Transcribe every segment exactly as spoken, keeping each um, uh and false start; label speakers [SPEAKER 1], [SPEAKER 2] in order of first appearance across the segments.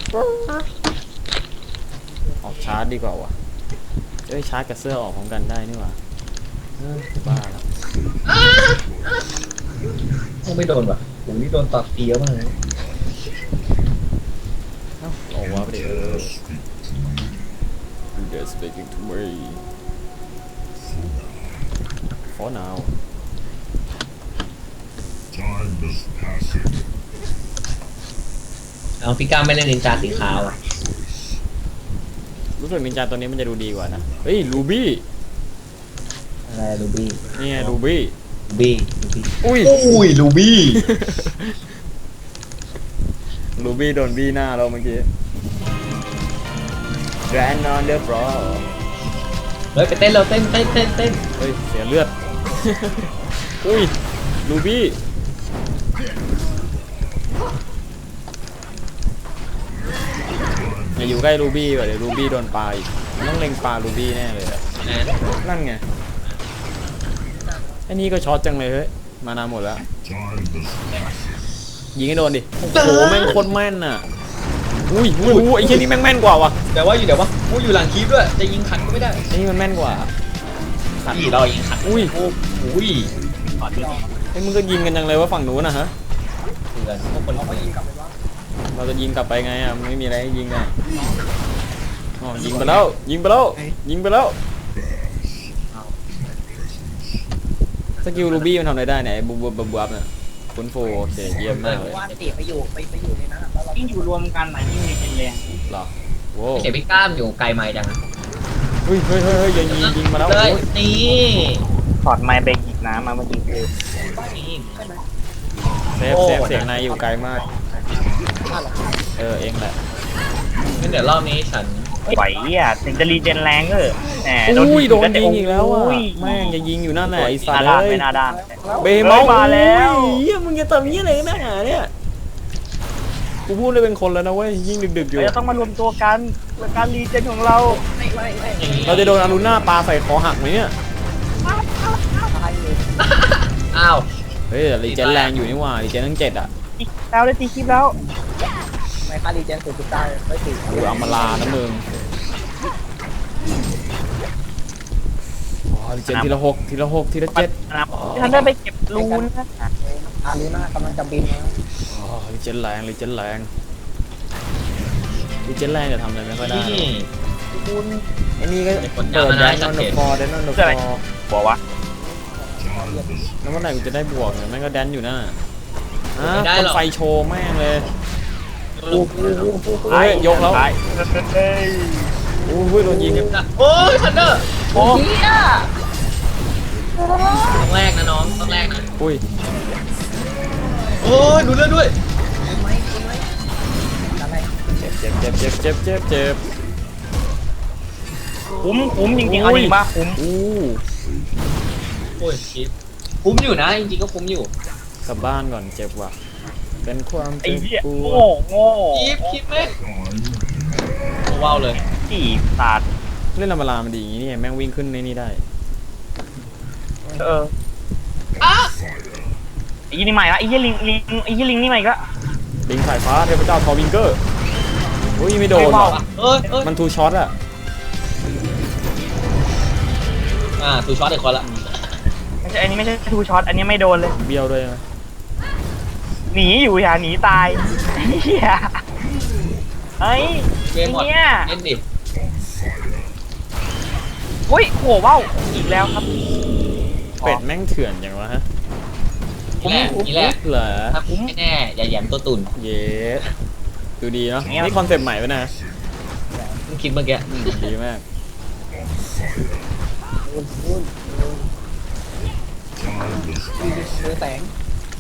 [SPEAKER 1] ออกชาร์จดีกว่าวะเอ้ยชาร์จกับเสื้อออกพร้อมกันได้นี่หว่าบ้าแล้ว
[SPEAKER 2] ต้องไม่โดนว่ะผมนี่โดนตัดเตี้ยมากเลย
[SPEAKER 1] เอ้าออกวะไปดิเออ You're speaking to me for now
[SPEAKER 3] Time is passing.
[SPEAKER 2] เอาพี่ก้าไม่เล่นนินจาสีขาวอ่ะ
[SPEAKER 1] รู้สึกนินจาตัวนี้มันจะดูดีกว่านะเฮ้ยลูบี้
[SPEAKER 2] อะไรลูบี้
[SPEAKER 1] นี่ไงลูบี้
[SPEAKER 2] ลูบี้ลูบี้
[SPEAKER 1] อุ้ย
[SPEAKER 2] อุ้ยลูบี้
[SPEAKER 1] ลูบี้โดนบี้หน้าเราเมื่อกี้ Grand on the floor
[SPEAKER 2] เฮ้ยไปเต้นเราเต้นเต้นเต้นเต้น
[SPEAKER 1] เฮ้ยเสียเลือด อุ้ยลูบี้อย่าอยู่ใกล้ลูบี้ว่ะเดี๋ยวลูบี้โดนปลาอีกต้องเล็งปลาลูบี้แน่เลยอะ
[SPEAKER 2] นะ
[SPEAKER 1] นั่นไงไอ้นี่ก็ช็อตจังเลยเฮ้ยมานานหมดแล้ว
[SPEAKER 3] Time is passing.
[SPEAKER 1] ยิงให้โดนดิโอ้โหแม่งโคตรแม่นน่ะอุ้ยอุ้ยอุ้ยไอ้เชี่ยนี่แม่งแม่นกว่าวะ
[SPEAKER 2] แต่ว่าอยู่เดี๋ยววะอู้อยู่หลังคลิปด้วยจะยิงขัดก็ไม่ได้
[SPEAKER 1] ไอ้นี่มันแม่นกว่าขัด
[SPEAKER 2] พี่เรายิงขัด
[SPEAKER 1] อุ้ย
[SPEAKER 2] โอ้อุ้ยขอดเลย
[SPEAKER 1] ไอ้มึงก็ยิงกันจังเลยว่าฝั่งนู้นนะฮะ
[SPEAKER 2] เถื่อนพวกคนเราก็ยิงกลับไปว่า
[SPEAKER 1] เราจะยิงกลับไปไงอ่ะไม่มีอะไรให้ยิงไงอ๋อยิงไปแล้วยิงไปแล้วยิงไปแล้วสกิลลูบี้มันทำอะไรได้เนี่ยบูบูบูบูบเนี่ยคุณโฟโอเคเยี่ยมมากเลย
[SPEAKER 4] ว่าเตะไปอยู่ไปไปอยู่ในนั้นอะแล้วเรา
[SPEAKER 5] ยิ่งอยู่รวมกันไหนยิ่งมีเป็นแรง
[SPEAKER 1] หรอโว้
[SPEAKER 2] เสียพี่ก้ามอยู่ไกลไม้จัง
[SPEAKER 1] เฮ้ยเฮ้ยเฮ้ยเฮ้ยยิงยิงยิงมาแล้ว
[SPEAKER 2] เล
[SPEAKER 1] โอ้
[SPEAKER 2] ย
[SPEAKER 1] ย
[SPEAKER 2] นี่
[SPEAKER 5] ถอดไม้ไปหยิบน้ำมาเมื่อกี้คือ
[SPEAKER 1] เซฟเซฟเสียงนายอยู่ไกลมากเออเองแหละ
[SPEAKER 2] งั้นเดี๋ยวรอบนี้ฉัน
[SPEAKER 5] ไหวอ่ะถึงจะรีเจนแรงเออแหม
[SPEAKER 1] อุ้ยโดนยิงอีกแล้วอ่ะ
[SPEAKER 5] อุ้ย
[SPEAKER 1] แม่งจะยิงอยู่นั่นแหละไอ้สั
[SPEAKER 5] นา
[SPEAKER 1] ตว์
[SPEAKER 5] ด้าน
[SPEAKER 1] เลย
[SPEAKER 5] ไม่นาด้าน
[SPEAKER 1] เบมอล
[SPEAKER 5] มาแล้ว
[SPEAKER 1] เฮียมึงจะทำยี่อะไรกันนักหนาเนี่ยกูพูดเลยเป็นคนแล้วนะเว้ยยิ่งดึกๆอยู่
[SPEAKER 5] เราจะต้องมารวมตัวกันเพื่อการรีเจนของเรา
[SPEAKER 4] ไม่ไม่ไม่
[SPEAKER 1] เราจะโดนอารุณาปลาใส่คอหักไหมเนี่ย
[SPEAKER 4] ตายเลย
[SPEAKER 2] อ้าว
[SPEAKER 1] เฮ้ยรีเจนแรงอยู่นี่หว่ารีเจนทั้งเจ็ดอ่ะ
[SPEAKER 5] แล้วได้ตีคลิปแล้ว
[SPEAKER 4] ไม่ค่าดีเจนสุดสุดได้ไม่ติด
[SPEAKER 1] กูเอามาลานะมึงอ๋อรีเจนทีละหกทีละหกทีละเจ็ด
[SPEAKER 5] นะครับท่านได้ไปเก็บรูนนะ
[SPEAKER 4] อารีน่ากำลังจะบินนะ
[SPEAKER 1] อ๋อรีเจนแรงรีเจนแรงรีเจนแรงจะทำอะไรไม่ค่อยได้
[SPEAKER 2] นี่
[SPEAKER 4] คุณ
[SPEAKER 1] ไอ้นี่ก็
[SPEAKER 2] เป็นคน
[SPEAKER 1] เปิด
[SPEAKER 2] ยาว
[SPEAKER 1] แด
[SPEAKER 2] นะ
[SPEAKER 1] นนอน
[SPEAKER 2] จั
[SPEAKER 1] เด
[SPEAKER 2] ด
[SPEAKER 1] อะ
[SPEAKER 2] เก็บ
[SPEAKER 1] ฟอร์แดนนอนเดอะฟอร์
[SPEAKER 5] บอกว่า
[SPEAKER 1] แล้วเมื่อไหร่กูจะได้บวกเนี่ยแม่งก็แดนอยู่น่ะอ่ะคนไฟโชว์แม่งเลยเฮ้ยยกแล้ว
[SPEAKER 5] เฮ้ย
[SPEAKER 1] โอ้ยโดนยิง
[SPEAKER 2] โอ้ยทันเดอร์
[SPEAKER 1] โอ้
[SPEAKER 4] เฮีย
[SPEAKER 2] ต้องแรกนะน้องต้องแรกนะ
[SPEAKER 1] อุ้ย
[SPEAKER 2] โอ้ยดูเลือดด้วย
[SPEAKER 4] คุณไหมคุณไหมอะไร
[SPEAKER 1] เจ็บเจ็บเจ็บเจ็บเจ็บเจ็บเจ็บ
[SPEAKER 5] คุ้มคุ้มจริงๆเอาจริงป่ะคุ้ม
[SPEAKER 1] อู้
[SPEAKER 2] โอ้ยชิปคุ้มอยู่นะจริงๆก็คุ้มอยู่
[SPEAKER 1] กลับบ้านก่อนเจ็บว่ะเป็นความ
[SPEAKER 5] ไอ้
[SPEAKER 1] เจ็บ
[SPEAKER 5] เหี้ย
[SPEAKER 1] ปว
[SPEAKER 5] โง่
[SPEAKER 1] ด
[SPEAKER 5] โง่
[SPEAKER 2] ชิปชิปไหมโอ้ว้าวเลย
[SPEAKER 5] จีบสัตว์
[SPEAKER 1] เล่นลามาลามันดีอย่างนี้นี่แม่งวิ่งขึ้นในนี่ได้
[SPEAKER 5] เออไอ้ยี่นี่ใหม่ละไอ้ยี่ลิงลิงไอ้ยี่ลิงนี่ใหม่ก็
[SPEAKER 1] ลิงสายฟ้าเทพเจ้าทอวิงเกอร์อุ้ยไม่โดนหรอก
[SPEAKER 2] เอ้ยเอ้ย
[SPEAKER 1] มันทูช็อตอะ
[SPEAKER 2] อ่าทูช็อตอีกคนละ
[SPEAKER 5] ไม่ใช่อันนี้ไม่ใช่ทูช็อตอันนี้ไม่โดนเลย
[SPEAKER 1] เบี้ยวด้วยนะ
[SPEAKER 5] หนีอยู่อย่าหนีตายเฮียเฮ้ย
[SPEAKER 2] เกมหมด
[SPEAKER 5] เนี่ย
[SPEAKER 2] เล่นดิ
[SPEAKER 5] อุ้ยโหว้าวอีกแล้วครับ
[SPEAKER 1] เป็ดแม่งเถื่อนอย่างวะฮะ
[SPEAKER 2] นี่แหละนี่แหละ
[SPEAKER 1] เหรอ
[SPEAKER 2] ถ้าคุ้มไม่แน่อย่าแหยมตัวตุ่น
[SPEAKER 1] เยสดูดีเนาะนี่คอนเซปต์ใหม่ไปนะ
[SPEAKER 2] เพิ่งคิดเมื่อกี้
[SPEAKER 1] อืมดีมาก
[SPEAKER 4] คุณคุณมือแสง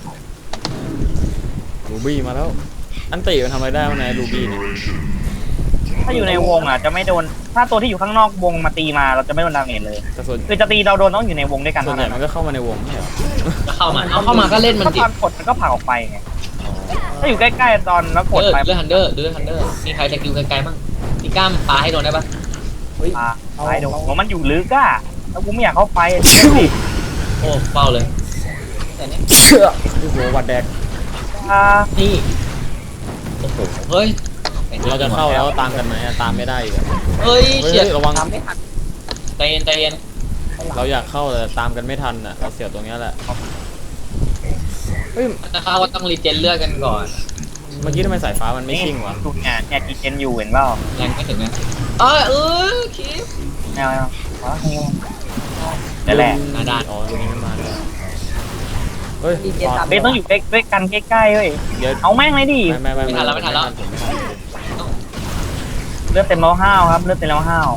[SPEAKER 1] รูบี้มาแล้ว อันติมันทำอะไรได้วะนายรูบี้เนี่ย
[SPEAKER 5] ถ้าอยู่ในวงอ่ะจะไม่โดนถ้าตัวที่อยู่ข้างนอกวงมาตีมาเราจะไม่โดนดาเมจเลย
[SPEAKER 1] แต่ส่วน
[SPEAKER 5] คือจะตีเราโดนต้องอยู่ในวงด้วยกัน
[SPEAKER 1] ส่วน
[SPEAKER 5] เท่า
[SPEAKER 1] ใหญ่
[SPEAKER 5] นั้น
[SPEAKER 1] มันก็เข้ามาในวงไม่ใช่เหรอ
[SPEAKER 2] ก็เข้ามาเอาเข้ามาก็เล่นมัน
[SPEAKER 5] ถ้า
[SPEAKER 2] ดิ
[SPEAKER 5] ตอนกดมันก็ผลักออกไปไงถ้าอยู่ใกล้ๆตอนแล้วกด
[SPEAKER 2] เออ
[SPEAKER 5] ไป
[SPEAKER 2] เลือดฮันเดอร์ดูเลือดฮันเดอร์มีใครสกิลไกลๆบ้างพี่ก้ามปาให้โดนได้ปะ
[SPEAKER 4] เฮ้ย
[SPEAKER 5] อ่าไปเดี๋ยวผมมันอยู่ลึกอ่ะแล้วกูไม่อยากเข้าไปอ่ะ
[SPEAKER 2] โอ้เฝ้าเลย
[SPEAKER 4] แต่เนี้ย
[SPEAKER 1] เชื่อโอ้โหวัดแดก
[SPEAKER 5] อ่า
[SPEAKER 2] นี่โอ้โหเฮ้ย
[SPEAKER 1] เราจะเข้าแล้วตามกันไหมอะตามไม่ได้อีกอะ
[SPEAKER 2] เอ้ย
[SPEAKER 1] เฮ้ย
[SPEAKER 2] เฉียด
[SPEAKER 1] ระวัง
[SPEAKER 4] ทำไม่ทัน
[SPEAKER 2] ใจเย็นใจเย็น
[SPEAKER 1] เราอยากเข้าแต่ตามกันไม่ทันอ่ะเราเสียตรงเนี้ยแหละเฮ้ย
[SPEAKER 2] จะเข้าก็ต้องรีเจนเลือดกันก่อน
[SPEAKER 1] เมื่อกี้ทำไมสายฟ้ามันไม่ชิ่งวะ
[SPEAKER 5] ดูเนี่ยเนี่ยกีเจนอยู่เห็นเปล่า
[SPEAKER 2] แรงไม่ถึงนะเออเออคิด
[SPEAKER 5] แนวแนวว้านั่นแหละ
[SPEAKER 2] หน้าด้าน
[SPEAKER 1] อ๋อตรงนี้มันมาแล้วเฮ้ย
[SPEAKER 4] ดีเจตาม
[SPEAKER 5] เบสต้องอยู่ใกล้ใกล้กันใกล้ๆเว้ย
[SPEAKER 1] เดี๋ยว
[SPEAKER 5] เอาแม่งเลยดิ
[SPEAKER 1] ไม่ไม่ไม่
[SPEAKER 2] ไม่ทันแล้วไม่ทันแล้ว
[SPEAKER 1] ผมไม่ทัน
[SPEAKER 5] เลือดเต็มแล้วห้าวครับเลือดเต็มแล้วห้าว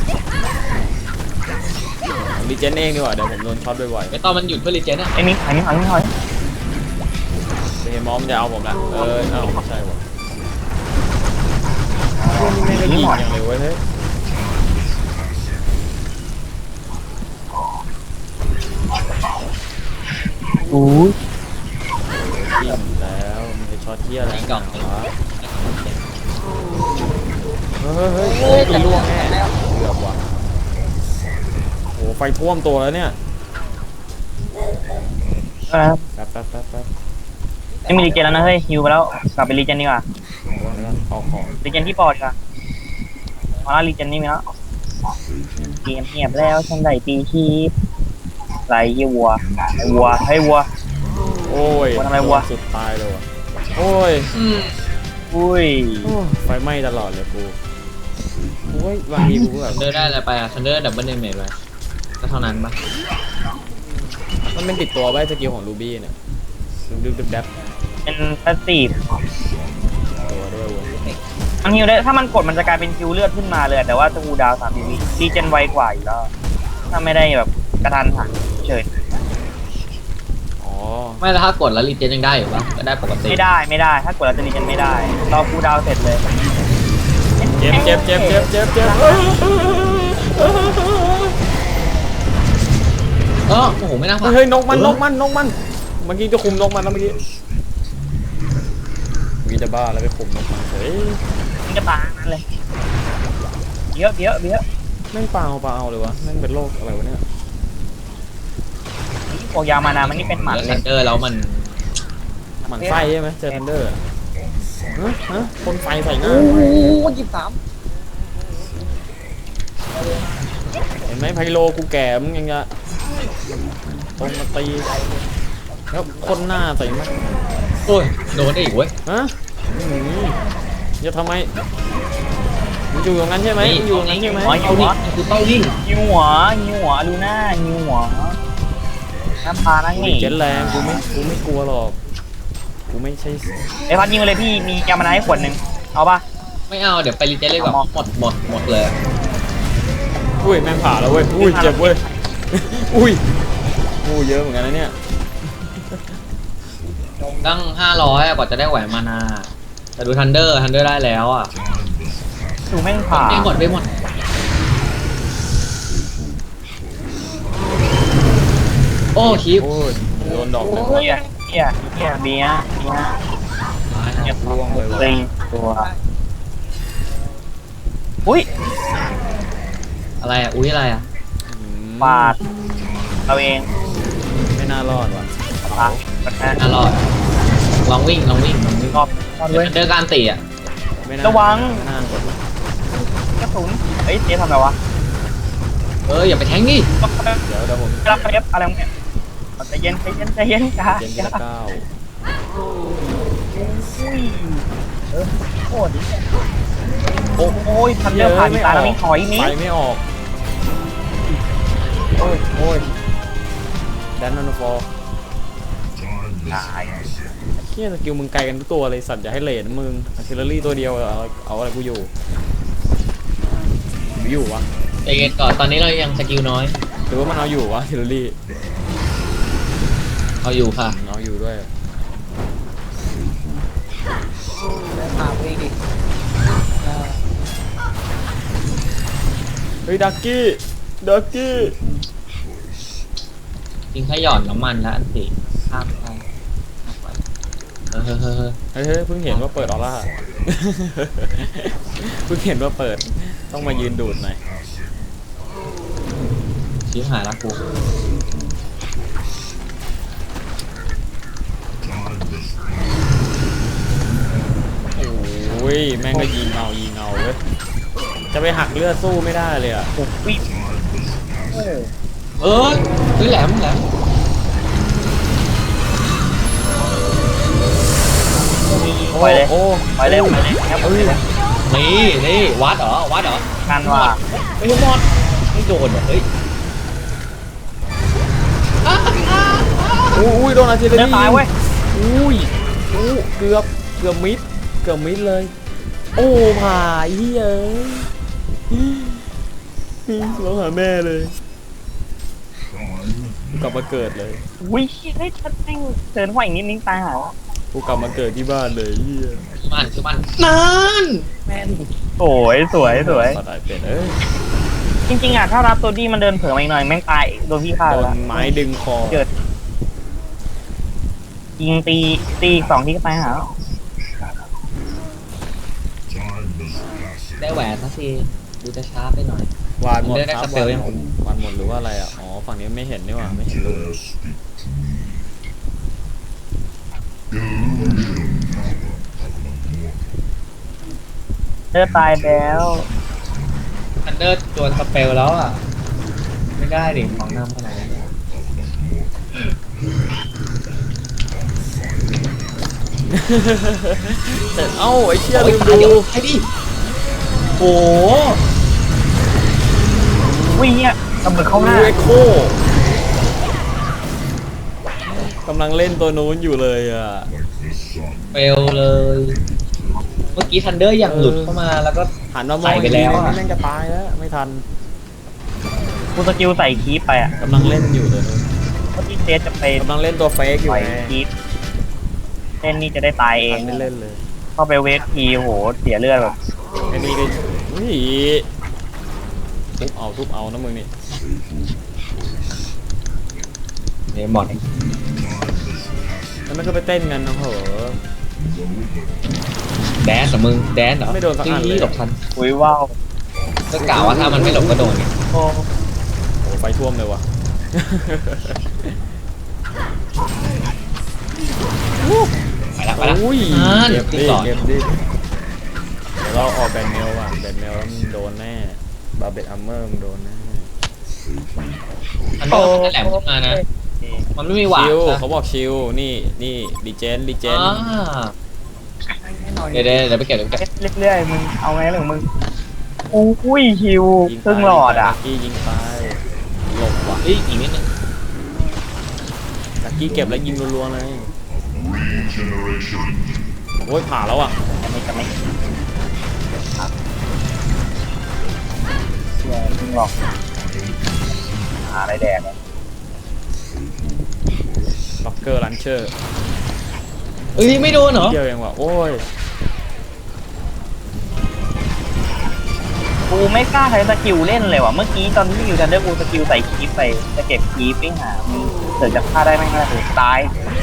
[SPEAKER 1] ผมรีเจนเองดีกว่าเดี๋ยวผมโดนช็อตบ่อย
[SPEAKER 2] ไม่ตอนมันหยุดเพื่อรีเจนอะ
[SPEAKER 5] ไอ้มิ้งไอ้มิ้งไอ้มิ้งถอย
[SPEAKER 1] ๆจะเห็นมอมมันจะเอาผมละเออเอาไม่ใช่วะไม่ได้ยิงอย่างเลยเว้ยเฮ้ยยิ
[SPEAKER 5] อู้
[SPEAKER 1] งแล้วมันจะช็อตเที่ยอะไรกันวะเฮ้ยเฮ้ยเฮ้ยตีล่วงแน่เกือบว่ะโหไฟท่วมตัวแล้วเนี่ย
[SPEAKER 5] เออ
[SPEAKER 1] แป๊บแป๊บแป๊บแป๊บ
[SPEAKER 5] ไม่มีรีเจนแล้วนะเฮ้ยฮิวไปแล้วกลับไปรีเจนดีกว่า
[SPEAKER 1] เอาของ
[SPEAKER 5] รีเจนที่ปอดค่ะมาแล้วรีเจนนี่มีแล้วเกมเงียบแล้วฉันได้ตีชีพไหลวัวไอ้วัวให้วัว
[SPEAKER 1] โอ้ย
[SPEAKER 5] วันอะไรวะ
[SPEAKER 1] สุดตายเลยว่ะโอ้ย
[SPEAKER 2] อืม
[SPEAKER 5] อุ้ย
[SPEAKER 1] โอ้ยไฟไหม้ตลอดเลยกูโอ้ยบางทีกูก็แบบ
[SPEAKER 2] ทันเดอร์ได้อะไรไปอะทันเดอร์ดับเบิลเดเมจไปก็เท่านั้นปะ
[SPEAKER 1] มันเป็นติดตัวไว้สกิลของรูบี้เนี่ยดึบดึบดับ
[SPEAKER 5] เป็นพาสซีฟ
[SPEAKER 1] ตัวด้วยวะ
[SPEAKER 5] มันฮิวได้ถ้ามันกดมันจะกลายเป็นคิวเลือดขึ้นมาเลยแต่ว่าจะกูดาวสามวิรีเจนไวกว่าอยู่แล้วถ้าไม่ได้แบบกระทันหันเฉย
[SPEAKER 1] อ๋อ
[SPEAKER 2] ไม่แล้วถ้ากดแล้วรีเจนยังได้อยู่ปะก็ได้ปกติ
[SPEAKER 5] ไม่ได้ไม่ได้ ถ้ากดแล้วจะรีเจนไม่ได้รอกูดาวเสร็จเลย
[SPEAKER 1] เจ็บเจ็บเจ็บเจ็บเจ็บเจ็บ
[SPEAKER 2] เออโอ้โหไม่น่าพลาด
[SPEAKER 1] เฮ้ยนกมันนกมันนกมันเมื่อกี้จะคุมนกมันแล้วเมื่อกี้วีจะบ้าแล้วไปคุมนกมันเฮ้ย
[SPEAKER 5] มันจะตายนั่นเลยเยอะเยอะเยอะ
[SPEAKER 1] แม่งเปล่าเปล่าเลยวะแม่งเป็นโรคอะไรวะเนี่ย
[SPEAKER 5] พวกยามานามันนี่เป็นหมัน
[SPEAKER 2] แล้ว
[SPEAKER 5] เล
[SPEAKER 2] ทั
[SPEAKER 5] ย
[SPEAKER 2] นเดอร์แล้วมัน
[SPEAKER 1] หมันไส้ใช่ไหมเจอทันเดอร์ฮะฮะคนไฟใส่หน้า
[SPEAKER 4] โอ้โหหยิบสาม
[SPEAKER 1] เห็นไหมไพโลกูแก่มึงยังจะตรงมาตีแล้วคนหน้าใส่มั้ย
[SPEAKER 2] โอ้ยโดนได้อีกเว้ย
[SPEAKER 1] ฮะอื้อหือจะทำไมมึงอยู่ตรงนั้นใช่ไหมมึงอยู่ตรงนั้นใช่ไหม
[SPEAKER 5] หัวหิวหัว
[SPEAKER 2] นี่คือเป้ายิง
[SPEAKER 5] หิวหัวหิวหัวลูน่าหิวหัวน้ำพานั่ง
[SPEAKER 1] มี
[SPEAKER 5] นี่
[SPEAKER 1] เจ็ดแรงกูไม่กูไม่กลัวหรอกกูไม่ใช่
[SPEAKER 5] ไอ้พัดยิงไปเลยพี่มียามานาให้ขวดหนึ่งเอาป่ะ
[SPEAKER 2] ไม่เอาเดี๋ยวไปรีเจนเลยก่อนหมดหมดหมดเลย
[SPEAKER 1] อุ้ยแม่งผ่าแล้วเว้ยอุ้ยเจ็บเว้ยอุ้ยงูเยอะเหมือนกันนะเนี่ย
[SPEAKER 2] ตั้งห้าร้อยกว่าจะได้แหวนมานาแต่ดูทันเดอร์ทันเดอร์ได้แล้วอ่ะ
[SPEAKER 5] ดูแม่งผ่า
[SPEAKER 2] ไปหมดไปหมดโอ้คีบ
[SPEAKER 1] โอ้ยโดนดอกหนึ่ง
[SPEAKER 5] เฮียเฮียเฮียเบียร์เบียร์เฮีย
[SPEAKER 1] ร่วงเลยว่ะ
[SPEAKER 5] เต็งตัวอุ้ย
[SPEAKER 2] อะไรอ่ะอุ้ยอะไรอ่ะ
[SPEAKER 1] อืม
[SPEAKER 5] ปาดเราเอง
[SPEAKER 1] ไม่น่ารอดว่ะ
[SPEAKER 5] ปาดกันนะ
[SPEAKER 2] น่ารอดลองวิ่งลองวิ่งลองวิ่ง
[SPEAKER 5] รอบรอบ
[SPEAKER 2] เดี๋
[SPEAKER 5] ด้
[SPEAKER 2] ยว วย ทันเดอร์การตีอ่ะ
[SPEAKER 1] ไม่น่า
[SPEAKER 5] ระวัง
[SPEAKER 1] ไม่น่ากด
[SPEAKER 5] กระสุนเฮ้ยเจ๊ทำอะไรวะ
[SPEAKER 2] เอออย่าไปแทงดิ
[SPEAKER 5] รับ
[SPEAKER 1] เดี๋ยวเดี๋ยวผม
[SPEAKER 5] รับเอฟอะไรของเนี่ยใจเย็นใจเย็นใจเย็นจ้า
[SPEAKER 1] เจนทีละเก้า
[SPEAKER 5] เออโคตรดีโอ้โอ้ยทันเดอร์ผ่านตาแล้วมีถอยนี้
[SPEAKER 1] ไฟไม่ออกโอ้ยโอ้ยแดนนอนฟอร์
[SPEAKER 3] Time
[SPEAKER 5] ตาย
[SPEAKER 1] เฮียสกิลมึงไกลกันทุกตัวเลยสัตว์อย่าให้เลนมึงอาร์ติลเลอรี่ตัวเดียวเอาเอาอะไรกูอยู่หรืออยู่วะ
[SPEAKER 2] ใจเย็นก่อนตอนนี้เรายังสกิลน้อย
[SPEAKER 1] หรือว่ามันเอาอยู่วะอาร์ติลเลอรี่
[SPEAKER 2] เอาอยู่ค่ะ
[SPEAKER 1] เอาอยู่ด้วย
[SPEAKER 4] พาไปดิเออ
[SPEAKER 1] เฮ้ยดักกี้ดักกี้
[SPEAKER 2] ยิงแค่หย่อนน้ำมันแล้วอันติข้ามไปเออเฮ้ยเฮ้ยเฮ้ย
[SPEAKER 1] เฮ้ยเฮ้ยเพิ่งเห็นว่าเปิดออร่า เพิ่งเห็นว่าเปิดต้องมายืนดูดหน่อย
[SPEAKER 2] ชิบหายแล้วกู
[SPEAKER 1] โอ้อุ้ยแม่งก็ยิงเอายิงเอาเว้ยจะไปหักเลือดสู้ไม่ได้เลยอ่ะ
[SPEAKER 5] โอ้ย
[SPEAKER 4] เออ
[SPEAKER 2] เออเฮ้ยแหลมแหลม
[SPEAKER 5] ไปเลย
[SPEAKER 1] โอ้
[SPEAKER 5] ไปเลยไปเลยครับไปเลย
[SPEAKER 2] นี่นี่วัดเหรอวัดเหรอ
[SPEAKER 5] กันว่า
[SPEAKER 2] ไม่รู้หมดไม่โดนเหรอเฮ้ย
[SPEAKER 1] อุ้ยโดนอาร์เจเน
[SPEAKER 5] เนื้อตายเว้ย
[SPEAKER 1] อุ้ยอู้เกือบเกือบมิดเกือบมิดเลย โอ้ผ่าไอ้เหี้ยเอ้ยร้องหาแม่เลยกูกลับมาเกิดเลย
[SPEAKER 5] อุ้ยเฮ้ยฉันแม่งเดินห้อยอีกนิดนึงตายหา
[SPEAKER 1] กูกลับมาเกิดที่บ้านเลยเหี้ย
[SPEAKER 2] คือมันคือมันนั่น
[SPEAKER 4] แม่น
[SPEAKER 5] สวยสวยสวย
[SPEAKER 1] ปลาไหลเป็ดเอ้ย
[SPEAKER 5] จริงๆอ่ะถ้ารับตัวดีมันเดินเผลอมาอีกหน่อยแม่งตายโดนพี่ฆ่า
[SPEAKER 1] โด
[SPEAKER 5] แล้ว
[SPEAKER 1] นไม้ดึงคอ
[SPEAKER 5] เกิดยิงตีตีอีกสองทีก็ตายหา
[SPEAKER 3] Time is passing.
[SPEAKER 2] ได้แหวนสักทีดูจะช้าไปหน่อย
[SPEAKER 1] วานหมด
[SPEAKER 2] ได้ได้
[SPEAKER 1] ครับ
[SPEAKER 2] สเปลยัง
[SPEAKER 1] วานหมดวานหมดหรือว่าอะไรอ่ะอ๋อฝั่งนี้ไม่เห็นนี่หว่าไม่เห็นรู
[SPEAKER 3] Dare speak to me. Illusion power of the mortal.
[SPEAKER 5] เลือดตายแล้ว
[SPEAKER 2] ทันเดอร์โดนสเปลแล้วอ่ะไม่ได้ดิของนำขนาดนี้
[SPEAKER 1] แต่เอ้าไอ้เชี่ย
[SPEAKER 2] โอ้
[SPEAKER 1] ลื
[SPEAKER 2] ย
[SPEAKER 1] ม
[SPEAKER 2] ตาย
[SPEAKER 1] ดู
[SPEAKER 2] ดิไอ้ดิโอ้
[SPEAKER 5] วิ่งเนี่ยระเบิดเข้าหน้า
[SPEAKER 1] ดูเอ็กโคกำลังเล่นตัวนู้นอยู่เลยอ่ะ
[SPEAKER 3] Like the sun.
[SPEAKER 2] เปลเลย เมื่อกี้ทันเดอร์อย่างหลุดเข้ามาแล้วก็
[SPEAKER 1] หันมามอง
[SPEAKER 2] ใส่ไปแล้วอะ
[SPEAKER 1] แม่งจะตายแล้วไม่ทัน
[SPEAKER 5] กูสกิลใส่คีปไปอ่ะ
[SPEAKER 1] กำลังเล่นอยู่ตัวนู้น
[SPEAKER 5] เมื่อกี้เจสจะไป
[SPEAKER 1] กำลังเล่นตัวเฟกอยู่
[SPEAKER 5] ปล่อย
[SPEAKER 1] ไง
[SPEAKER 5] คีปเล่นนี่จะได้ตายเอ
[SPEAKER 1] ทั
[SPEAKER 5] ง
[SPEAKER 1] นไม่เล่นเลย
[SPEAKER 5] เข้าไปเวททีโหเสียเลือดแบบ
[SPEAKER 1] ไอ้นี่ก็อุ้ยทุบเอาทุบเอานะมึงนี่
[SPEAKER 2] เนี่ยหมด
[SPEAKER 1] แล้วมันก็ไปเต้นกันนะเหรอ
[SPEAKER 2] แดนเหรอมึงแดนเหรอ
[SPEAKER 1] ไม่โดนสักอันเลย
[SPEAKER 2] หลบทัน
[SPEAKER 5] อุ้ยว้าว
[SPEAKER 2] ก็กล่าวว่าถ้ามันไม่หลบก็โดนไง
[SPEAKER 5] โอ้
[SPEAKER 1] โอ้ไฟท่วมเลยว่ะ
[SPEAKER 2] ไปละไปละ
[SPEAKER 1] อุ้ย
[SPEAKER 2] อ่า
[SPEAKER 1] เก็บ
[SPEAKER 2] ขึ้น
[SPEAKER 1] ดิ
[SPEAKER 2] ก่อน
[SPEAKER 1] เก็บดิเดี๋ยวเราออกแบนเมลว่ะแบนเมลแล้วมึงโดนแน่บาเบตอัมเมอร์มึงโดนแน่
[SPEAKER 2] ทันเดอร์มันแหลมขึ้นมานะ มันไม่มีหวาด
[SPEAKER 1] ชิว
[SPEAKER 2] นะ
[SPEAKER 1] เขาบอกชิวนี่นี่ดีเจนดีเจน
[SPEAKER 2] อ่า
[SPEAKER 4] ให้หน่อย
[SPEAKER 2] เดี๋ยวเดี๋ยวเดี๋ยวไปเก็บเดี๋ยวไปเก็บ
[SPEAKER 5] เรื่อยๆมึงเอาไงเรื่องมึงอุ้ยฮิว
[SPEAKER 1] ยิง
[SPEAKER 5] ครึ่งหลอดอ่ะ
[SPEAKER 1] ลักกี้ยิงไปหลบว่ะ
[SPEAKER 2] เฮ้ยอีกนิดนึง
[SPEAKER 1] ลักกี้เก็บแล้วยิงรัวๆเลย
[SPEAKER 3] Regeneration.
[SPEAKER 1] โอ้ยผ่าแล้วอ่ะ
[SPEAKER 5] จะไม่จะไม่เชื่อครึ่งหลอดหาอะไรแดกอะ
[SPEAKER 1] ล็อกเกอร์ลันเชอร์
[SPEAKER 2] เอ้ยไม่โดนเหรอ
[SPEAKER 1] เดียวเองว่ะโอ้ย
[SPEAKER 5] กูไม่กล้าใช้สกิลเล่นเลยว่ะเมื่อกี้ตอนที่อยู่ทันเดอร์กูสกิลใส่คีปไปจะเก็บคีปไปหามึงเกิดจะฆ่าได้ไหมงล่ะตาย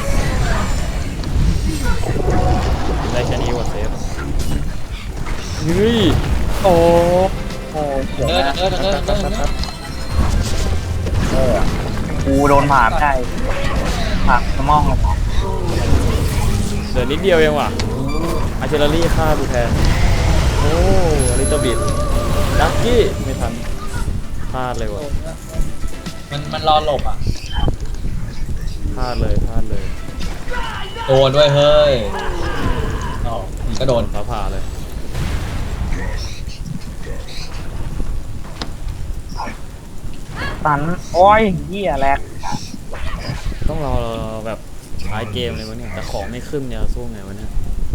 [SPEAKER 1] ได้แค่นี้ว่ะเซฟเฮ้ย
[SPEAKER 5] โอ้โหเสีย
[SPEAKER 2] เดิน
[SPEAKER 5] นะ
[SPEAKER 2] เดินเดินเดินเดิน
[SPEAKER 5] เออกูโดนผ่าไม่ได้ผ่าสมอง
[SPEAKER 1] เดี๋ยวนิดเดียวเองว่ะอาร์เจลรี่ฆ่ากูแทนโอ้ลิตเติ้ลบิดลักกี้ไม่ทันพลาดเลยว่ะ
[SPEAKER 2] มันมันรอหลบอ่ะ
[SPEAKER 1] พลาดเลยพลาดเลย
[SPEAKER 2] โดนด้วยเฮ้ยอ๋อมันก็โดน
[SPEAKER 1] ฟ้าผ่าเลย
[SPEAKER 5] ตันโอ้ยเหี้ยแหลก
[SPEAKER 1] ต้องรอแบบท้ายเกมเลยวะเนี่ยแต่ของไม่ขึ้นเนี่ยสู้ไงวะเนี่ย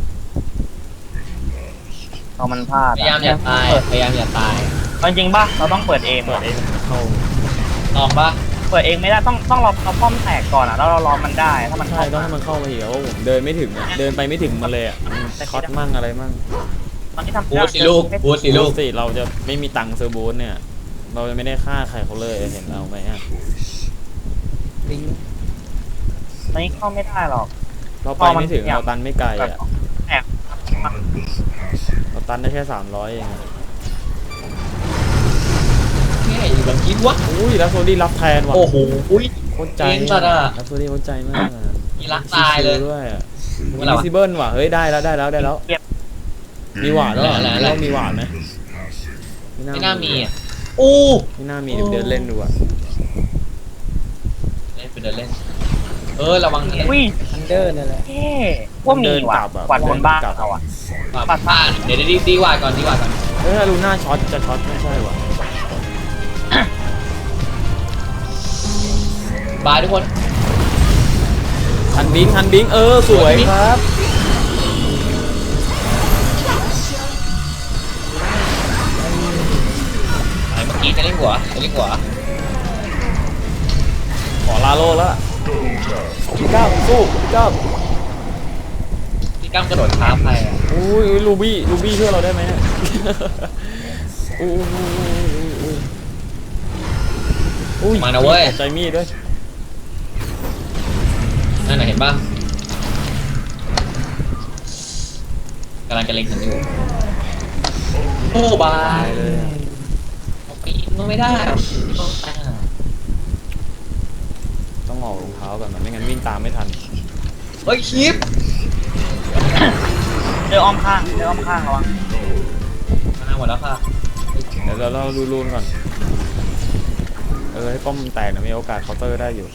[SPEAKER 5] พอมันพลาด
[SPEAKER 2] พยายามอย่าตายพยายามอย่าตาย
[SPEAKER 5] เอาจริงป่ะเราต้องเปิดเอง
[SPEAKER 1] เปิดเองเข้า
[SPEAKER 2] ลองปะ
[SPEAKER 5] เปิดเองไม่ได้ต้องต้องรอเราป้อมแตกก่อนอ่ะแล้วเรารอมันได้ถ้ามัน
[SPEAKER 1] ใช่
[SPEAKER 5] เข้า
[SPEAKER 1] ต้องให้มันเข้ามาอีกแล้วาผมเดินไม่ถึงอ่ะเดินไปไม่ถึงมันเลยอ่ะมันช็อตมั่งอะไรมั่ง
[SPEAKER 5] ตอนที่ทำ
[SPEAKER 2] บูสสิลูกบูสสิลูก
[SPEAKER 1] สิเราจะไม่มีตังค์ซื้อบูธเนี่ย เราจะไม่ได้ฆ่าใครเขาเลยเห็นเราไหมอ่ะ
[SPEAKER 4] ลิงก์
[SPEAKER 5] ตอนนี้เข้าไม่ได้หรอก
[SPEAKER 1] เราไปไม่ถึงเราตันไม่ไกลอ่ะ
[SPEAKER 5] แอบ
[SPEAKER 3] Time is passing.
[SPEAKER 1] เราตันได้แค่สามร้อยเองอะ
[SPEAKER 2] แค่อยู่แบบคิดวะ
[SPEAKER 1] อุ้ยแล้วโซดี้รับแทนว่ะ
[SPEAKER 2] โอ้โหอุ้ย
[SPEAKER 1] โคตรใจ
[SPEAKER 2] เก่งสัตว์อะ
[SPEAKER 1] แล้วโซดี้โคตรใจมากอะ
[SPEAKER 2] มีรักตายเลย
[SPEAKER 1] ชิวๆด้วยอ่ะ
[SPEAKER 2] เมื่อไหร่วะ
[SPEAKER 1] ซิเบิลว่ะเฮ้ยได้แล้วได้แล้วได้แล้ว
[SPEAKER 5] เก็บ
[SPEAKER 1] มีหวานด้วยเหรอ
[SPEAKER 2] อะไรอะไร
[SPEAKER 1] แล้วามีหวานไหม
[SPEAKER 2] ไม่น่ามีอ่ะอู้
[SPEAKER 1] ไม่น่ามีเดี๋ยวเดินเล่นดูอ่ะ
[SPEAKER 2] เล่นไปเดินเล่น เออระวังนะ
[SPEAKER 5] อุ้ย
[SPEAKER 4] ทันเดอร์นั่นแหละ
[SPEAKER 5] เท่ว่ามีว่ะกวาดบนบ้านเราอ่ะ
[SPEAKER 2] ปัดบ้านเดี๋ยวดีดีวาดก่อนดีวาดก่อน
[SPEAKER 1] เออลูน่าช็อตจะช็อตไม่ใช่ว่ะ
[SPEAKER 2] บายทุกคน
[SPEAKER 1] ทันบิงทันบิงเออสวยครับ
[SPEAKER 2] ไหนเมื่อกี้จะเล่นหัวจะเล่นหัว
[SPEAKER 1] ขอลาโลแล้วอะพี่ก้าวสู้พี่ก้าว
[SPEAKER 2] ที่กั้มกระโดดท้าใครอ่ะ
[SPEAKER 1] อุ้ยอุ้ยลูบี้ลูบี้ช่วยเราได้ไหมเนี่ยอุ้ยอุ้ยอุ้ยอุ้ยอุ้ย
[SPEAKER 2] มานะเว้ย
[SPEAKER 1] ใจมีดด้วย
[SPEAKER 2] นั่นน่ะเห็นป่ะกำลังจะเล็งฉันอยู่โอ้บา
[SPEAKER 1] ตาย ยเลยอะ
[SPEAKER 2] ปีนมันไม่ได้อะ
[SPEAKER 1] ต้องออกรองเท้าก่อนมันไม่งั้นวิ่งตามไม่ทัน
[SPEAKER 2] เฮ้ยคลิป
[SPEAKER 5] เจออ้อมข้างเจออ้อมข้างระวัง
[SPEAKER 2] มาหมดแล้วค่ะ
[SPEAKER 1] เดี๋ยวเราเราดูรูนก่อนเออให้ป้อมแตกนะมีโอกาสเคาน์เตอร์ได้อยู่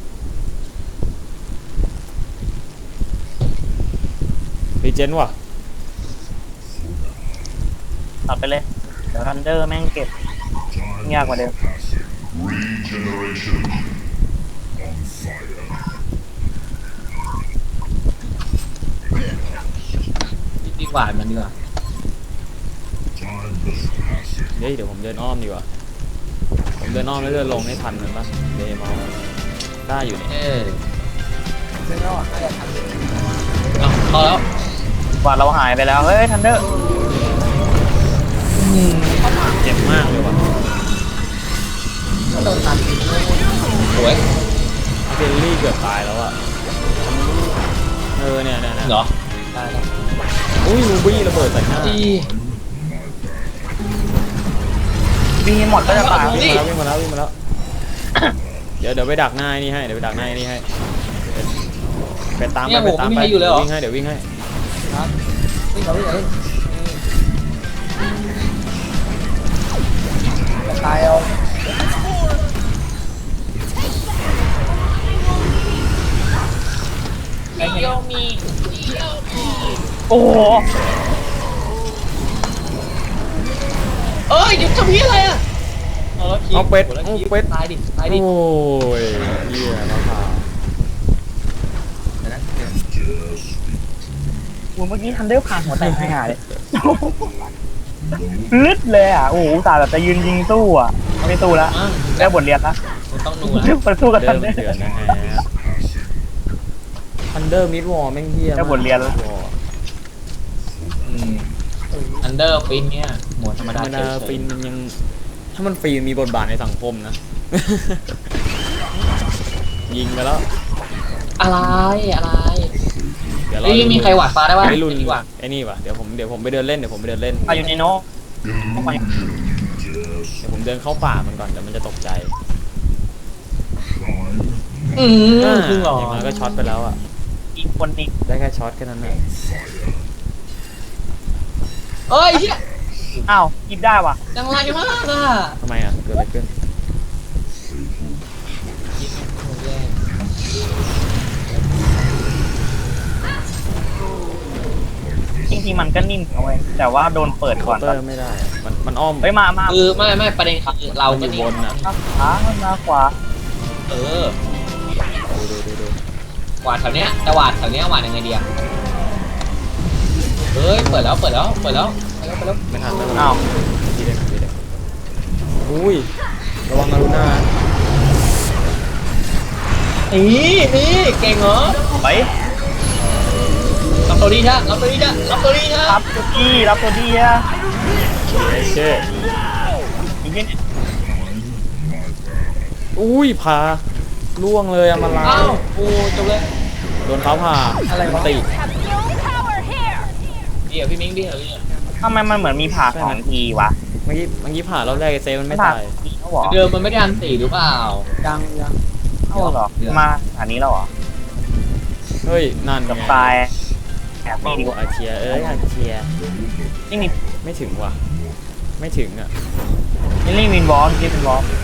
[SPEAKER 1] รีเจนว่ะ
[SPEAKER 5] ตัดไปเลยเดี๋ยวทันเดอร์แม่งเก็บ ยากกว่าเดิม
[SPEAKER 3] Regeneration on fire.
[SPEAKER 2] ดีกว่ามันดีกว่า
[SPEAKER 3] Time is passing.
[SPEAKER 1] เฮ้ยเดี๋ยวผมเดินอ้อมดีกว่าผมเดินอ้อมแล้วเดินลงให้ทันมันปะเดย์มอลได้อยู่เนี่ย
[SPEAKER 2] เออ
[SPEAKER 4] ซึ่งก็น่าจะทัน
[SPEAKER 2] เอาเข้าแล้ว
[SPEAKER 5] กวาดเราหายไปแล้ว เฮ้ยทันเดอร์
[SPEAKER 1] เจ็บมากเลยว่ะ
[SPEAKER 4] ก็โดนตัดอีกเลย
[SPEAKER 2] สวย
[SPEAKER 1] เจลลี่เกือบตายแล้วอ่ะเออเนี่ยเนี่ยเนี่ย
[SPEAKER 2] เหรอได้แล้ว
[SPEAKER 1] อุ้ยลูบี้ระเบิดใส่หน้า
[SPEAKER 2] อี
[SPEAKER 5] บีหมดก็จะตาย
[SPEAKER 1] วิ่งมาแล้ววิ่งมาแล้ววิ่งมาแล้วเดี๋ยวเดี๋ยวไปดักหน้าไอ้นี่ให้เดี๋ยวไปดักหน้าไอ้นี่ให้ไปตามไปไปตามไปวิ่งให้เดี๋ยววิ่งให้
[SPEAKER 4] ครับวิ่งเอาวิ่งเอาวิ่งจะตายเอา
[SPEAKER 2] เดียวมี
[SPEAKER 5] โอ้โห
[SPEAKER 2] เอ้ยเดี๋ยวจะมีอะไรอ่ะเอาแล้ว
[SPEAKER 1] เอาเป็ดเอาเป็ด
[SPEAKER 2] ตายดิตายดิ
[SPEAKER 1] โอ้ยเหี้ยมะพร้าว
[SPEAKER 5] โหเมื่อกี้ทันเดอร์ผ่านหัวแตกหายเลยลึดเลยอ่ะ โอ้โหอุตส่าห์แบบจะยืนยิงสู้อ่ะ ไม่สู้แล้ว
[SPEAKER 2] อ่ะ
[SPEAKER 5] ได้บทเรียนละ
[SPEAKER 2] มันต้องดูนะ
[SPEAKER 5] ไปสู้กับ
[SPEAKER 1] เดิ
[SPEAKER 5] ทัน
[SPEAKER 1] ม
[SPEAKER 5] เดอร์
[SPEAKER 1] เดือนนะฮะทันเดอร์มิดวอลแม่งเหี้ย
[SPEAKER 5] ได้บทเรียนแล้ว
[SPEAKER 2] อืมอันเดอร์ฟินเนี่ยหมวดธรรม
[SPEAKER 1] ธร
[SPEAKER 2] ดาร
[SPEAKER 1] มดา
[SPEAKER 2] เฉยๆ
[SPEAKER 1] ฟินมันยังถ้ามันฟรีมีบทบาทในสังคมนะ ยิงไปแล้ว
[SPEAKER 2] อะไรอะไร
[SPEAKER 1] เดี๋ยวเรา
[SPEAKER 2] เอ้ยมีใครหวาดฟ้าได้ป่ะ
[SPEAKER 1] ไอ้รุ่น
[SPEAKER 2] ดีกว่า
[SPEAKER 1] ไอ้นี่ป่ะเดี๋ยวผมเดี๋ยวผมไปเดินเล่นเดี๋ยวผมไปเดินเล่น
[SPEAKER 5] อายุนิโน
[SPEAKER 3] Illusion. Yes.
[SPEAKER 1] เดี๋ยวผมเดินเข้าป่ามันก่อนเดี๋ยวมันจะตกใจ
[SPEAKER 3] Time
[SPEAKER 2] อืม
[SPEAKER 1] อ่า
[SPEAKER 2] จริงเหรอ
[SPEAKER 1] อย่างน้อยก็ช็อตไปแล้วอ่ะ
[SPEAKER 5] อีกคนอีก
[SPEAKER 1] ได้แค่ช็อตแค่นั้นแหละ
[SPEAKER 2] เอ้ยเหี้ย
[SPEAKER 5] อ้าวหยิบได้ว่ะ
[SPEAKER 2] จังไรมากอ่ะ
[SPEAKER 1] ทำไมอ่ะเกิดอะไรขึ้น
[SPEAKER 5] จริงๆมันก็นิ่มเอาไว้ยแต่ว่าโดนเปิดก่อน
[SPEAKER 1] เตอร์ไม่ได้ มันมันอ้อม
[SPEAKER 5] เฮ้ยมามา
[SPEAKER 2] คือไม่ไม่ประเด็นคือเรา
[SPEAKER 1] มัน
[SPEAKER 2] ก็
[SPEAKER 1] อยู่
[SPEAKER 2] นี่
[SPEAKER 1] บนอ่ะ
[SPEAKER 5] มาขวามาขวา
[SPEAKER 2] เออ
[SPEAKER 1] ดูดูดูดู
[SPEAKER 2] หวาดแถวเนี้ยแต่หวาดแถวเนี้ยหวาดยังไงดีอะเฮ้ยเปิดแล้วเปิดแล้วเปิดแล้วเปิดแล้วเปิดแล้ว
[SPEAKER 1] ไม่ทันแล้ว
[SPEAKER 5] อ้าว
[SPEAKER 1] ทีเด็กทีเด็กอุ้ยระวังอารุณา
[SPEAKER 2] นี่นี่เก่งเหรอ
[SPEAKER 5] ไป
[SPEAKER 2] รับตัวดีจ้ะรับตัวดีจ้ะรับตัวดีจ้ะ
[SPEAKER 5] รับตัวดีรับตัวดีอะ
[SPEAKER 1] โอเค
[SPEAKER 5] อีกนิด
[SPEAKER 1] อุ้ยพาล่วงเลยอะมาลา
[SPEAKER 2] อ้าวโอ้จบเลย
[SPEAKER 1] โดนเขาผ่า
[SPEAKER 4] อะไรวะ
[SPEAKER 1] ติ
[SPEAKER 2] เดี๋ยวพี่มิ้งพี่เหรอพี่
[SPEAKER 5] ทำไมมันเหมือนมีผ่าสองทีวะ
[SPEAKER 1] เมื่อกี้เมื่อกี้ผ่ารอบแรกไอ้เซฟมันไม่
[SPEAKER 5] ผ่า
[SPEAKER 1] ตาย
[SPEAKER 5] ทีเขาเหรอ
[SPEAKER 2] เดิมมันไม่ได้อันตีหรือเปล่า
[SPEAKER 4] ยังยัง
[SPEAKER 5] เข้าเหรอมาอันนี้แล้วเหรอ
[SPEAKER 1] เฮ้ยนั่น
[SPEAKER 5] กับ
[SPEAKER 1] ไง
[SPEAKER 5] ตายแอบนี่ดีกว่า
[SPEAKER 1] อาเชียเอ้ยอาเชีย
[SPEAKER 5] นี่มี
[SPEAKER 1] ไม่ถึงว่ะไม่ถึงอ่ะ
[SPEAKER 5] นี่นี่วินบอลนี่วินบอล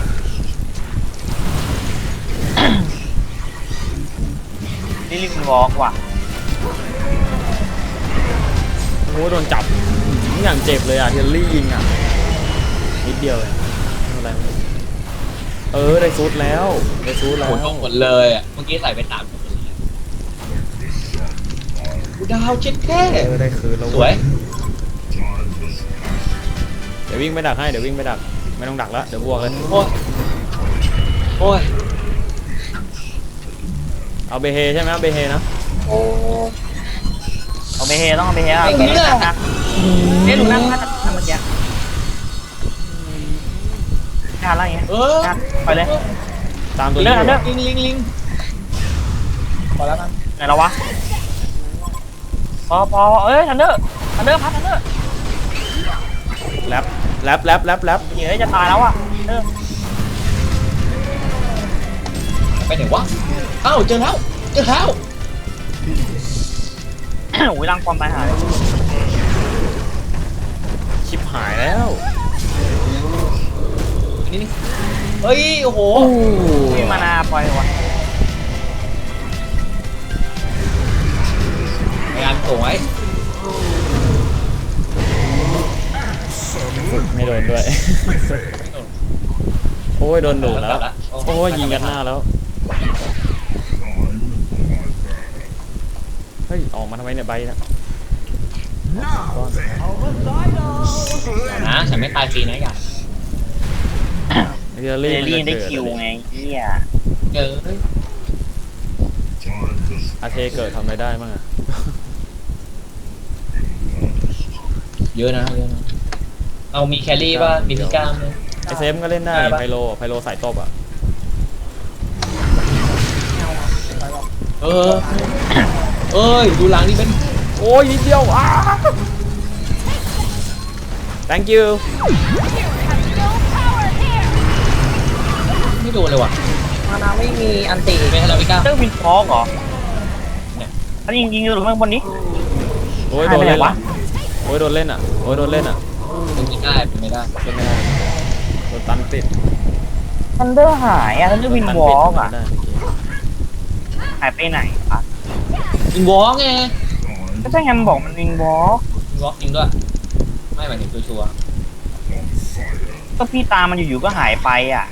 [SPEAKER 5] นี่วินบอลว่ะ
[SPEAKER 1] โอ้โหโดนจับอย่างเจ็บเลยอ่ะเทลลี่ยิงอ่ะนิดเดียวเองไม่เป็นไรไม่เป็นไรเออได้ซูดแล้วได้ซูดแล้
[SPEAKER 2] โห
[SPEAKER 1] ว
[SPEAKER 2] ตรงหมดเลยอ่ะเมื่อกี้ใส่ไปสามคนเลยกูดาวเช็ดแค่
[SPEAKER 1] เออได้คืนแล้ว
[SPEAKER 2] สวย
[SPEAKER 1] เดี๋ยววิ่งไปดักให้เดี๋ยววิ่งไปดักไม่ต้องดักแล้วเดี๋ยวบวกเลย
[SPEAKER 2] โอ้ยโอ้ย
[SPEAKER 1] เอาเบเฮใช่ไหมเอาเบเฮนะ
[SPEAKER 5] เอาไปเฮต้องเอาไปเฮอ่ะเฮ้ยนะเนี่ยดูนั่งนั่งนั่งเมื่อกี้ทานอะไรอย่างเงี้ย
[SPEAKER 2] เออ
[SPEAKER 5] ไปเลย
[SPEAKER 1] ตามตัว
[SPEAKER 5] เลิ
[SPEAKER 1] นี้
[SPEAKER 5] ก
[SPEAKER 1] อยู่
[SPEAKER 5] เลิก
[SPEAKER 2] ลิงลิงลิง
[SPEAKER 4] พอแล้วกัน
[SPEAKER 5] ไหนเราวะพอพอเอ้ยทันเดอร์ทันเดอร์พัดทันเดอร์
[SPEAKER 1] แรปแรปแรปแรปแรป
[SPEAKER 5] เฮ้ยจะตายแล้วอ่ะเออ
[SPEAKER 2] ไปไหนวะเอ้าเจอแล้วเจอแล้ว
[SPEAKER 5] โอ้ยรังความตายหาย
[SPEAKER 1] ชิบหายแล้ว
[SPEAKER 2] อันนี้นี่เฮ้ยโอ้โห
[SPEAKER 5] มีมานาปล่อยวะ
[SPEAKER 2] พยายามส่งไว้
[SPEAKER 1] ไม่โดนด้วย โอ้ยโดนดูดแล้วโอ้ยยิงกันหน้าแล้วเฮ้ยออกมาทำไมเนี่ยใบนะก้อน
[SPEAKER 2] นะฉันไม่ตายฟรีนะอย่า
[SPEAKER 1] เรีย
[SPEAKER 5] เร
[SPEAKER 1] ลี่
[SPEAKER 5] ลี่
[SPEAKER 1] มัน
[SPEAKER 5] ได้
[SPEAKER 1] จะ
[SPEAKER 5] คิว
[SPEAKER 1] เกิด
[SPEAKER 5] ไงเฮีย
[SPEAKER 2] เจอ
[SPEAKER 1] อาเทเกิดทำอะไรได้บ้างอะ
[SPEAKER 2] เยอะนะเยอะนะเอามีแครี่ป่ะมีพิการไหม
[SPEAKER 1] ไอเซฟก็เล่นได้
[SPEAKER 2] ได้ปะ
[SPEAKER 1] ไพโลไพโลสายตบอ่ะ
[SPEAKER 2] เออเอ้ยดูหลังนี่เป็น
[SPEAKER 1] โอ้ยนิดเดียวอ้า thank you
[SPEAKER 2] ไม่โดนเลยว่ะ
[SPEAKER 4] มานาไม่มีอันติ
[SPEAKER 2] ไม่ให้เราพิการ
[SPEAKER 5] เจ้าวินฟอกเหรอ
[SPEAKER 2] เนี่ย
[SPEAKER 5] ถ้ายิงยิงอยู่ข้างบนนี้
[SPEAKER 1] โอ้ยโดนเล่น
[SPEAKER 5] หายไปไหนวะ
[SPEAKER 1] อ่ะโอ้ยโดนเล่นอ่ะโอ้ยโดนเล่นอ่ะ
[SPEAKER 2] เป็นไม่ได้เป็นไม่ได้
[SPEAKER 1] เล่นไม่ได้โดนตันติด
[SPEAKER 5] ทันเดอร์หายอ่ะทันเดอร์วิน
[SPEAKER 1] ตั
[SPEAKER 5] วอล์ก
[SPEAKER 1] ปิด
[SPEAKER 5] อ่ะ
[SPEAKER 1] ไม่ได้เมื่อกี้
[SPEAKER 5] หายไปไหนอ่ะ
[SPEAKER 2] อินวอล์กไง
[SPEAKER 5] ก็ใช่ไงมันบอกมันวินวอล์ก
[SPEAKER 2] อินวอล์กจริงด้วยไม่หมายถึงชัวร์
[SPEAKER 5] ก็พี่ตามมันอยู่ๆก็หายไปอ่ะ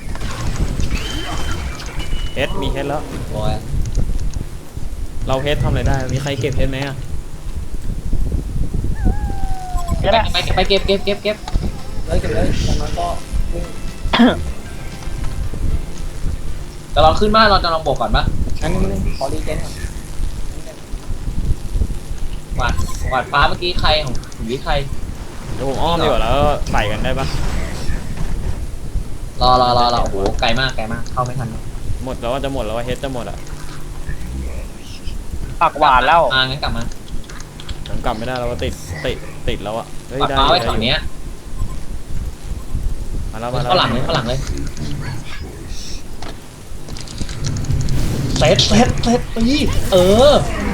[SPEAKER 1] เฮดมีเฮดแล้ว
[SPEAKER 2] ๆโอ้ย
[SPEAKER 1] เราเฮดทำอะไรได้มีใครเก็บเฮดไหมอ่ะ
[SPEAKER 2] ไปไปไปเก็บเก็บเก็บเก็บ
[SPEAKER 4] เลยเก็บเลยจากนั้นก็วิ่ง
[SPEAKER 2] จะลองขึ้นบ้านเราจะลองบวกก่อนปะ
[SPEAKER 4] อันนี้นึงขอรีเจนก่อน
[SPEAKER 2] หวาดหวาดฟ้าเมื่อกี้ใครของหรือใคร
[SPEAKER 1] เดี๋ยวผมอ้อมดีกว่าแล้วใส่กันได้ปะ
[SPEAKER 2] รอรอรอรอโอ้โหไกลมากไกลมากเข้าไม่ทัน
[SPEAKER 1] หมดแล้วว่าจะหมดแล้วว่าเฮดจะหมดอ่ะ
[SPEAKER 5] ปากหวานแล้ว
[SPEAKER 2] มางั้นกลับมา
[SPEAKER 1] ผมกลับไม่ได้แล้วว่าติดติดติดแล้วอ่ะเฮ้ย
[SPEAKER 2] หวาด
[SPEAKER 1] ได้
[SPEAKER 2] ฟ้าไว้
[SPEAKER 1] ได้
[SPEAKER 2] แถวเนี้ย
[SPEAKER 1] มาแล้วมาแล้ว
[SPEAKER 2] เข้าหลังเลยเข้าหลังเลยเซตเซตเซตตีเออ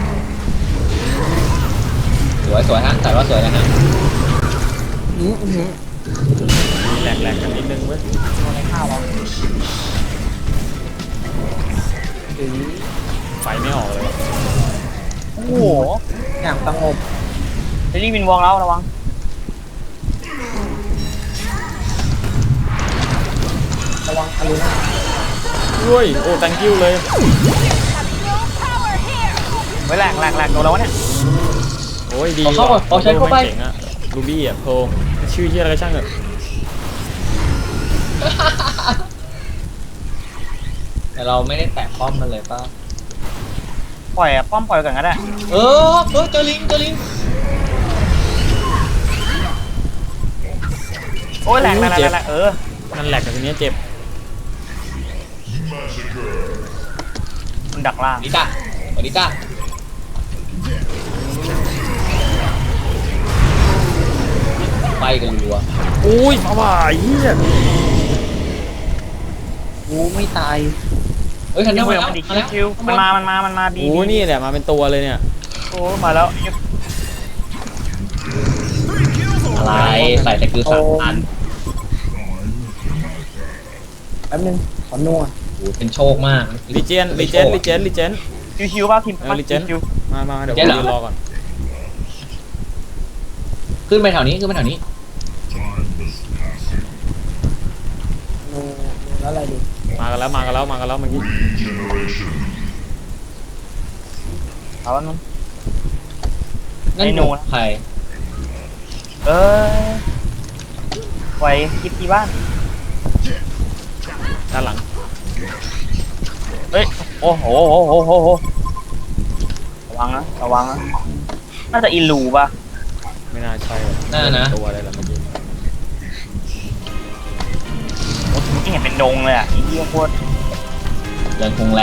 [SPEAKER 2] สวยสวยฮะแต่ว่าสวยนะฮะ
[SPEAKER 4] อือหือ
[SPEAKER 1] แหลกๆกันนิดนึงเว้ย
[SPEAKER 4] เอาในข้าววะถึง
[SPEAKER 1] ไฟไม่ออกเลย
[SPEAKER 5] โอ้โห
[SPEAKER 4] อย่างสงบ
[SPEAKER 5] เรลี่วินวอล์กแล้วระวัง
[SPEAKER 4] ระวังอารูน่า
[SPEAKER 1] ด้วยโอ้ thank you เลย
[SPEAKER 5] ไว้แหลกแหลกแหลกโดนแล้ววะเนี่ย
[SPEAKER 1] โอ้ยดี
[SPEAKER 2] ขอเข้าก่อนขอใช้เข้าไป
[SPEAKER 1] เจ๋งอะรูบี้อะโพชื่อที่อะไรก็ช่างเถอะ
[SPEAKER 2] แต่เราไม่ได้แตะป้อมมันเลยป่ะ
[SPEAKER 5] ปล่อยอะป้อมปล่อยก่อนก็ได้
[SPEAKER 2] เออเออเจอลิงเจอลิง
[SPEAKER 5] โอ้ยแหลกแหลกแหลกแหลกเออ
[SPEAKER 1] นั่นแหลกแต่ทีเนี้ยเจ็บ
[SPEAKER 5] มันดักล่าง
[SPEAKER 2] ดิจ้าสวัสดีจ้าไปกันรัว
[SPEAKER 1] อุ้ยมาบ่ายเฮีย
[SPEAKER 4] กูไม่ตาย
[SPEAKER 2] เฮ้ยทันเด
[SPEAKER 5] ยั
[SPEAKER 2] อง ร์
[SPEAKER 5] ไม่
[SPEAKER 2] มา
[SPEAKER 5] ยัง
[SPEAKER 2] แล้ว
[SPEAKER 5] ไม่ดีคิวคิวมันมามันมามันมาบี
[SPEAKER 1] โอ้ยนี่แหละมาเป็นตัวเลยเนี่ย
[SPEAKER 5] โอ้มาแล้ว
[SPEAKER 2] อะไรใส่สกิลสามพัน
[SPEAKER 4] แป๊บนึงขอนัว
[SPEAKER 2] โอ้โหเป็นโชคมาก
[SPEAKER 1] ลิเจนลิเจนลิเจนลิเจน
[SPEAKER 5] ชิวๆป่ะทีม
[SPEAKER 1] เออลิเจน
[SPEAKER 5] ชิว
[SPEAKER 1] มามาเดี๋ยวผมยืนรอก่อน
[SPEAKER 2] ขึ้นไปแถวนี้ขึ้นไปแถวนี้
[SPEAKER 4] นัวนัวแล้วอะไรดี
[SPEAKER 1] มากันแล้วมากันแล้วมากันแล้วเมื่อกี้
[SPEAKER 3] Regeneration.
[SPEAKER 5] ๆเอาแล้วนู้น
[SPEAKER 2] นั่น
[SPEAKER 5] ไอ้ห
[SPEAKER 2] ห
[SPEAKER 5] นู
[SPEAKER 2] นูใคร
[SPEAKER 5] เออไว้คิดที่บ้าน
[SPEAKER 1] ด้านหลัง
[SPEAKER 5] เฮ้ยโอ้โหโอ้โหโอ้โหโอ้โหระวังนะระวังนะน่าจะอิลูป่ะ
[SPEAKER 1] ไม่น่าใช่ว่
[SPEAKER 2] น่านะ
[SPEAKER 1] ตัวอะไรล่ะเมื่อกี้
[SPEAKER 5] โอ้ที่เห็นเป็นดงเลยอ่ะอีเหี้ยโคตร
[SPEAKER 2] เดินคงแรง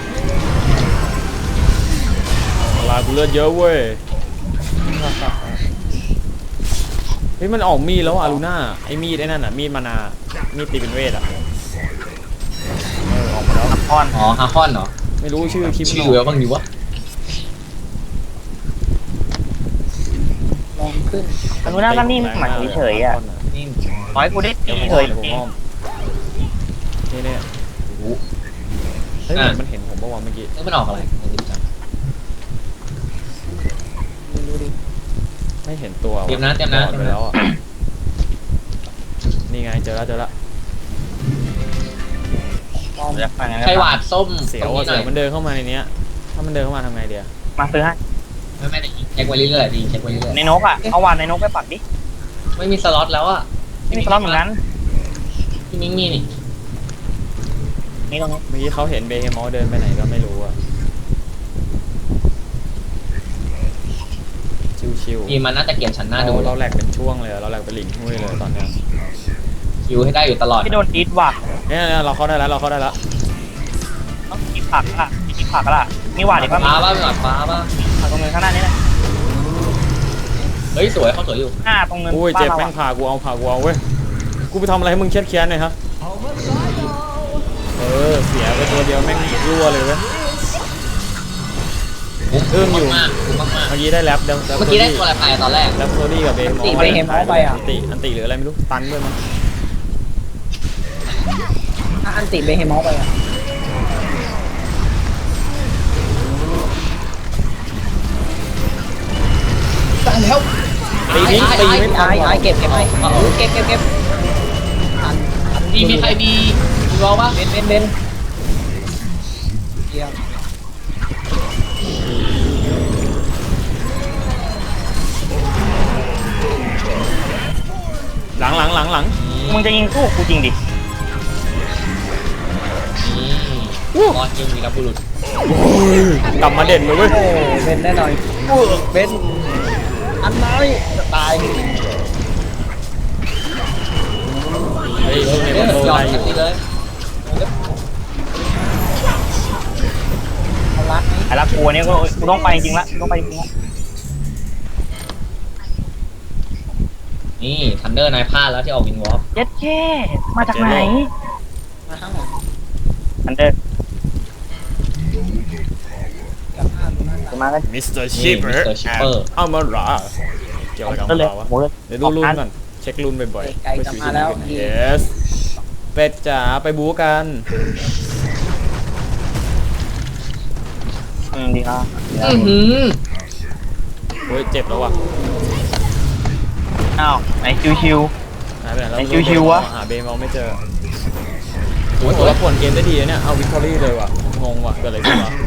[SPEAKER 1] ลายกูเลือดเยอะเว้ยเฮ้ยมันออกมีดแล้วอะลูน่าไอ้มีดไอ้นั่นอะมีดมานามีดตีเป็นเวทอะเออออกมาแล้ว
[SPEAKER 5] อ่อน
[SPEAKER 2] อ๋อฮาคอนเหรอ
[SPEAKER 1] ไม่รู้ชื่อคลิป
[SPEAKER 2] ชื่
[SPEAKER 1] มัน
[SPEAKER 2] อ
[SPEAKER 1] อ
[SPEAKER 2] แล้
[SPEAKER 1] อก
[SPEAKER 2] วบ้างดีวะ
[SPEAKER 4] ลองขึ้น
[SPEAKER 5] แต่ดูหน้าก็นิ่งหมันเฉยๆอ่ะ
[SPEAKER 2] นี่
[SPEAKER 5] ขอให้กูได้ตี
[SPEAKER 1] เดี๋ยวผม
[SPEAKER 5] เฉ
[SPEAKER 1] อ้อม
[SPEAKER 5] ย
[SPEAKER 1] เดี๋ยวผมอ้อมนี่เนี่ย
[SPEAKER 2] รู้
[SPEAKER 1] เฮ้ยเหมือนมันเห็นผมเมื่อวานเมื่อกี้
[SPEAKER 2] เอ้ยมันออกอะไรไม่รู้จัก
[SPEAKER 4] ไม่รู้ดิ
[SPEAKER 1] ไม่เห็นตัวว่
[SPEAKER 2] เตรียมนะเตรียมนะ
[SPEAKER 1] บอดไปแล้วอะนี่ไงเจอแล้วเจอแล้ว
[SPEAKER 4] ลอง
[SPEAKER 5] อยากฟังไง
[SPEAKER 2] ไข่หวาดส้ม
[SPEAKER 1] เสียว
[SPEAKER 2] ตรง
[SPEAKER 1] อะ
[SPEAKER 2] นี้ห
[SPEAKER 1] เสี
[SPEAKER 2] น่
[SPEAKER 1] ย
[SPEAKER 2] อ
[SPEAKER 1] วย มันเดินเข้ามาในเนี้ยถ้ามันเดินเข้ามาทำไงเดีย
[SPEAKER 5] มาซื้อให้
[SPEAKER 2] ไม่ไม่ได้เช็คไว้เรื่อยๆดีเช็คไว้เรื่อย
[SPEAKER 5] ในนกอ่ะเอาวานในนกไปปักดิ
[SPEAKER 2] ๆไม่มีสล็อตแล้วอ่ะ
[SPEAKER 5] ไม่มีสล็อตเหมือนกัน
[SPEAKER 2] พี่มิ้งมีนี่
[SPEAKER 5] นี่ตรงนี้
[SPEAKER 1] เมื่อกี้เขาเห็นเบเฮมอลเดินไปไหนก็ไม่รู้อะชิวๆ
[SPEAKER 2] ทีมมันน่าจะเกลียดฉันหน้าดู
[SPEAKER 1] เราเราแหลกเป็นช่วงเลยอะเราแหลกเป็นหลิงหุ้ยเลยตอนเนี้ย
[SPEAKER 2] คิวให้ได้อยู่ตลอด
[SPEAKER 5] ที่โดนอีทว่ะ
[SPEAKER 1] เนี่ยเนี่ยเราเข้าได้แล้วเราเข้าได้แล้ว
[SPEAKER 5] ต้องกินผักละกินผักละมีหวานอีกป่ะ
[SPEAKER 2] ฟ้าบ้างหลับฟ้าบ้าง
[SPEAKER 5] ผักตรงเนินข้างหน้านี้แหละ
[SPEAKER 2] เฮ้ยสวยเขาสวยอยู่
[SPEAKER 5] หน้าตรงเนิน
[SPEAKER 1] อุ้ย
[SPEAKER 5] บ้า
[SPEAKER 1] เจ็บ
[SPEAKER 5] นเรา
[SPEAKER 1] แม่ง
[SPEAKER 5] อะ
[SPEAKER 1] ผ่ากูเอาผ่ากูเอาเว้ยกูไปทำอะไรให้มึงเครียดแค้นหน่อยฮะเออเสียไปตัวเดียวแม่งรั่วเลยเว้ย เอื้อมอยู่
[SPEAKER 2] มากคุ้มมาก
[SPEAKER 1] เมื่อกี้ได้แรปเดม
[SPEAKER 2] ๆเมื่อกี้ได้ตัวอะไรไปตอนแรก
[SPEAKER 1] แรปโซดี้กับเบเฮมอล
[SPEAKER 4] ตีไปเฮมอลไปอ่ะ
[SPEAKER 1] อันติอันติหรืออะไรไม่รู้ตันด้วยมั้ง
[SPEAKER 4] ถ้าอันติเบเฮมอลไปอ่ะ
[SPEAKER 2] ตายแล้ว
[SPEAKER 1] ตีทิ้งตีไม่ทั
[SPEAKER 4] ไอ้
[SPEAKER 1] น
[SPEAKER 4] ไอ้เก็บเก็บไปเก็บเก็บเก็บอันอัน
[SPEAKER 2] มีมีใครมีมีวอลป่ะ
[SPEAKER 4] เบนเบนเบนเยี่ยม
[SPEAKER 1] หลังหลังหลังหลัง
[SPEAKER 5] มึงจะยิงสู้กูจริงดิ
[SPEAKER 2] นี่รอดยิงวีรบุรุษ
[SPEAKER 1] กลับมาเด่นเลยเว้ย
[SPEAKER 4] โอ้เบนแน่นอนเบนอันน้อยจะตาย
[SPEAKER 1] เฮ้ยใน
[SPEAKER 2] เฮ้
[SPEAKER 1] บ
[SPEAKER 2] ย
[SPEAKER 1] อลโล
[SPEAKER 2] ยอม
[SPEAKER 1] ได้อ
[SPEAKER 2] ทัน
[SPEAKER 1] ยู่
[SPEAKER 2] ทีเลย
[SPEAKER 4] เอาลัดนี้
[SPEAKER 5] ไอ้ละกูเนี่ยกูกูต้องไปจริงละกูต้องไปจริงละ
[SPEAKER 2] นี่ทันเดอร์นายพลาดแล้วที่ออกวินวอล์ก
[SPEAKER 5] เย็ดแค่มาจากไหน
[SPEAKER 4] มาข้างหลัง
[SPEAKER 5] อันเดอร์
[SPEAKER 4] กับห้าดูนั่น
[SPEAKER 5] จะมากัน
[SPEAKER 1] มิสเตอร์ชิปเปอร์เอามาราเกี่ยวกับ
[SPEAKER 5] ก็เลย
[SPEAKER 1] เราวะ
[SPEAKER 5] โหเลย
[SPEAKER 1] เดี๋ยวดูรุ่นก่อนเช็ครุ่นบ่อยๆ
[SPEAKER 4] ไกลกลับมาแล้ว
[SPEAKER 1] เยสเป็ดจ๋าไปบู๊กัน
[SPEAKER 5] อืมดีละดีละ
[SPEAKER 2] อื้อหือ
[SPEAKER 1] โอ้ยเจ็บแล้วว่ะ
[SPEAKER 5] อ้าวไหนชิว
[SPEAKER 1] หายไปไหนแล้ว
[SPEAKER 5] ไอ้ชิวๆวะ
[SPEAKER 1] หาเบมอลไม่เจอ
[SPEAKER 2] สวยส
[SPEAKER 1] โอ้
[SPEAKER 2] วย
[SPEAKER 1] แล้วป่วนเกมได้ดีนะเนี่ยเอาวิกตอรี่เลยว่ะงงว่ะเกิดอะไรขึ้นวะ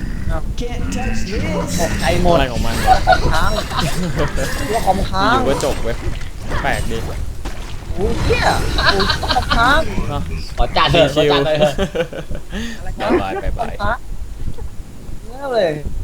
[SPEAKER 4] ตกใจหมด
[SPEAKER 1] อะไรของมัน
[SPEAKER 4] คอมค้างเรื่องคอมค้า
[SPEAKER 1] อง ยู่ๆก็จบเว้ยแปลกดี
[SPEAKER 4] โอ้ยเหี้ยโอ้ยคอมค้าง
[SPEAKER 1] เนาะ
[SPEAKER 2] ขอจัดเถอะขอ
[SPEAKER 1] ชิว
[SPEAKER 2] จัดเลยเถอะ
[SPEAKER 1] ๆบายบายบายบาย
[SPEAKER 4] คอมค้างเนี่ยเลย